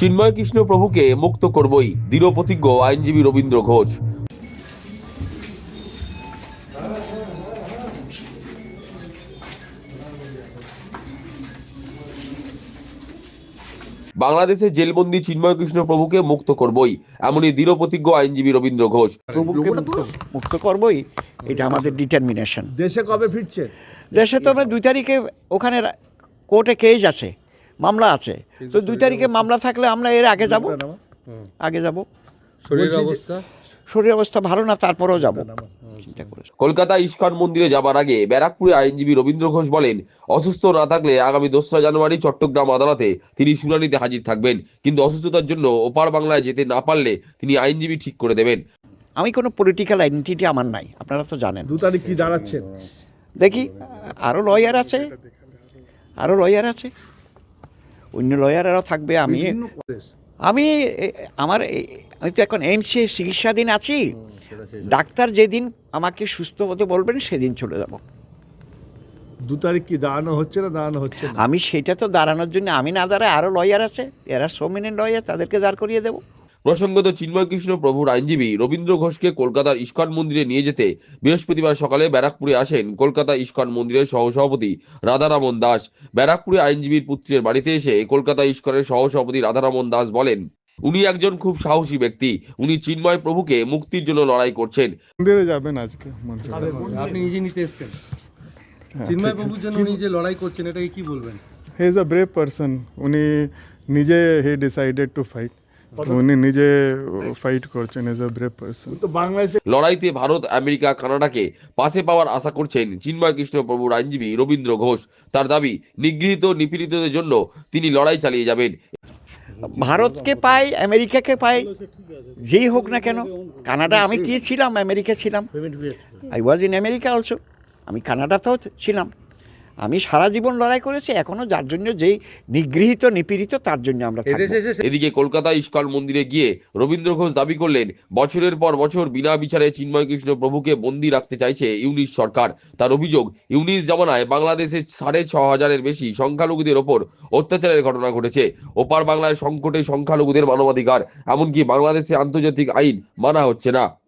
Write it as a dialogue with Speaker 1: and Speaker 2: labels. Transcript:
Speaker 1: চিন্ময় কৃষ্ণ প্রভুকে মুক্ত করবই, দৃঢ় প্রতিজ্ঞ আইনজীবী রবীন্দ্র ঘোষ। বাংলাদেশে জেলবন্দি চিন্ময় কৃষ্ণ প্রভুকে মুক্ত করবই, এমনই দৃঢ় প্রতিজ্ঞ আইনজীবী রবীন্দ্র ঘোষ।
Speaker 2: প্রভুকে মুক্ত করবই, এটা আমাদের ডিটারমিনেশন।
Speaker 3: দেশে কবে ফিরছে?
Speaker 2: দেশে তো আমরা 2 তারিখে ওখানে কোর্টে কেস আছে, মামলা আছে, তো 2 তারিখে মামলা থাকলে আমরা এর আগে যাব। শরীর অবস্থা ভালো না, তারপরেও যাব চিন্তা করে।
Speaker 1: কলকাতা ইস্কন মন্দিরে যাবার আগে ব্যারাকপুরে আইনজীবী রবীন্দ্র ঘোষ বলেন, অসুস্থ না থাকলে আগামী 2রা জানুয়ারি চট্টগ্রাম আদালতে তিনি শুনানিতে হাজির থাকবেন, কিন্তু অসুস্থতার জন্য ওপার বাংলায় যেতে না পারলে তিনি আইনজীবী ঠিক করে দেবেন।
Speaker 2: আমি কোনো পলিটিক্যাল আইডেন্টিটি আমার নাই, আপনারা তো জানেন।
Speaker 3: 2 তারিখ কি দাঁড়াচ্ছে?
Speaker 2: দেখি, আরও লয়ার আছে, অন্য লয়ারেরাও থাকবে। আমি তো এখন এইমসে চিকিৎসাধীন আছি। ডাক্তার যেদিন আমাকে সুস্থ হতে বলবেন সেদিন চলে যাব।
Speaker 3: 2 তারিখ কি দাঁড়ানো হচ্ছে না?
Speaker 2: আমি সেটা তো দাঁড়ানোর জন্য আমি না দাঁড়ায় আরও লয়ার আছে, এরা সোমিনেন্ট লয়ার, তাদেরকে দাঁড় করিয়ে দেবো।
Speaker 1: প্রসঙ্গত, চিন্ময় কৃষ্ণ প্রভুর আইনজীবী রবীন্দ্র ঘোষকে কলকাতার ইস্কন মন্দিরে নিয়ে যেতে বৃহস্পতিবার সকালে ব্যারাকপুরে আসেন কলকাতা ইস্কন মন্দিরের সহসভাপতি রাধারমন দাস। ব্যারাকপুরে আইনজীবীর পুত্রের বাড়িতে এসে কলকাতা ইস্কনের সহসভাপতি রাধারমন দাস বলেন, উনি একজন খুব সাহসী ব্যক্তি, উনি চিন্ময় প্রভুকে মুক্তির জন্য লড়াই করছেন।
Speaker 4: মন্দিরে যাবেন আজকে?
Speaker 5: আপনি নিজে নিতে এসেছেন চিন্ময় প্রভুর জন্য, উনি যে লড়াই করছেন এটাকে কি বলবেন?
Speaker 4: He is a brave person. উনি নিজে হি ডিসাইডেড টু ফাইট, উনি নিজে ফাইট করছেন। Is a brave person.
Speaker 3: তো বাংলাদেশে
Speaker 1: লড়াইতে ভারত, আমেরিকা, কানাডাকে পাশে পাওয়ার আশা করছেন চিন্ময় কৃষ্ণ প্রভুর আইনজীবী রবীন্দ্র ঘোষ। তার দাবি, নিগৃহীত নিপীড়িতদের জন্য তিনি লড়াই চালিয়ে যাবেন।
Speaker 2: ভারতকে পাই, আমেরিকাকে পাই, যেই হোক না কেন। কানাডা আমি কি ছিলাম, আমেরিকা ছিলাম, I was in America also. আমি কানাডাতেও ছিলাম। আমি সারা জীবন লড়াই করেছি, এখনও যার জন্য যেই নিগৃহীত নিপীড়িত তার জন্য আমরা থাকবো।
Speaker 1: এদিকে কলকাতা ইস্কন মন্দিরে গিয়ে রবীন্দ্র ঘোষ দাবি করলেন, বছরের পর বছর বিনা বিচারে চিন্ময় কৃষ্ণ প্রভুকে বন্দী রাখতে চাইছে ইউনিশ সরকার। তার অভিযোগ, ইউনিশ জমানায় বাংলাদেশে 6,500-এর বেশি সংখ্যালঘুদের ওপর অত্যাচারের ঘটনা ঘটেছে। ওপার বাংলায় সংকটে সংখ্যালঘুদের মানবাধিকার, এমনকি বাংলাদেশে আন্তর্জাতিক আইন মানা হচ্ছে না।